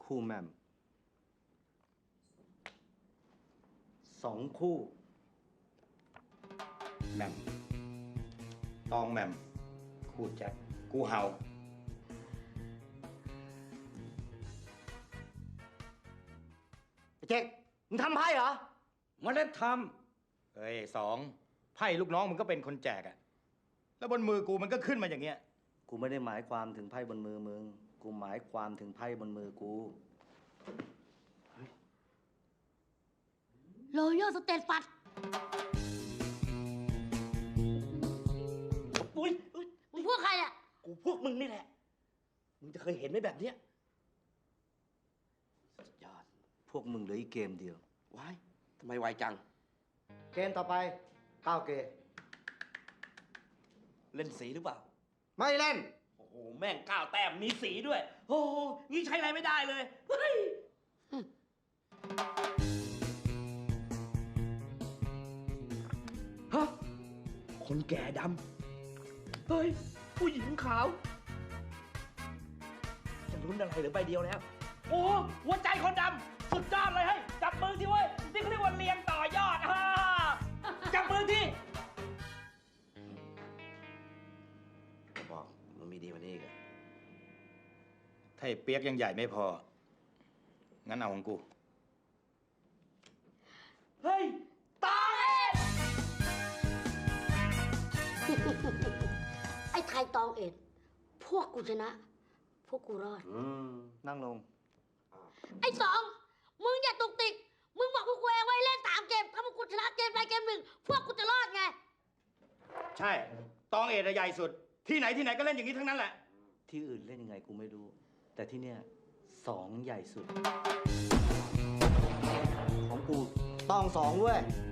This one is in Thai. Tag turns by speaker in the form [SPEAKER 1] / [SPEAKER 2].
[SPEAKER 1] คู่แหม่ม2 คู่
[SPEAKER 2] แหม่มตองแหม่มคู่แจ็คกูเห่า
[SPEAKER 1] ไอ้เจ๊กมึงทำไพ่เหรอ
[SPEAKER 2] มันได้ทำเฮ้ยสองไพ่ลูกน้องมึงก็เป็นคนแจกอะแล้วบนมือกูมันก็ขึ้นมาอย่างเงี้ย
[SPEAKER 1] กูไม่ได้หมายความถึงไพ่บนมือมึง กูหมายความถึงไพ่บนมือกู
[SPEAKER 3] โรโยสเตตฟัด
[SPEAKER 4] อุ้ย
[SPEAKER 3] มึงพวกใครอ่ะ
[SPEAKER 4] กูพวกมึงนี่แหละ มึงจะเคยเห็นไหมแบบเนี้ยสุดยอด
[SPEAKER 1] พวกมึงเหลืออีกเกมเดียว
[SPEAKER 4] ว้ายทำไมไวจัง
[SPEAKER 1] เกมต่อไป9 เกม
[SPEAKER 4] เล่นสีหรือเปล่า
[SPEAKER 1] ไม่เล่น
[SPEAKER 4] โอ้โห แม่ง9 แต้มมีสีด้วย โอ้โหนี่ใช้อะไรไม่ได้เลย เฮ้ย ฮะ คนแก่ดำ เฮ้ย ผู้หญิงขาว จะลุ้นอะไรเหรือใบเดียวแล้ว โอ้โหหัวใจคนดำ สุดยอดเลยเฮ้ย จับมือสิเว้ย นี่เขาเรียกว่าเรียงต่อยอดฮ่าจับมือที่บอกมันมีดีกว่านี้อีกอะ
[SPEAKER 2] ถ้าไอ้เปียกยังใหญ่ไม่พอ งั้นเอาของกู
[SPEAKER 4] เฮ้ย ตาย
[SPEAKER 3] ไอ้ไทยตองเอ็ด พวกกูชนะ พวกกูรอด
[SPEAKER 1] นั่งลง
[SPEAKER 3] ไอ้สอง มึงอย่าตุกติก มึงบอกพวกกูเองไว้เล่น3 เกม ถ้าพวกกูชนะเกมใดเกมหนึ่ง พวกกูจะรอดไง
[SPEAKER 2] ใช่ ตองเอ็ดอะใหญ่สุด ที่ไหนที่ไหนก็เล่นอย่างนี้ทั้งนั้นแหละ
[SPEAKER 1] ที่อื่นเล่นยังไงกูไม่รู้ แต่ที่เนี่ย2 ใหญ่สุด ของกูต้อง2ด้วย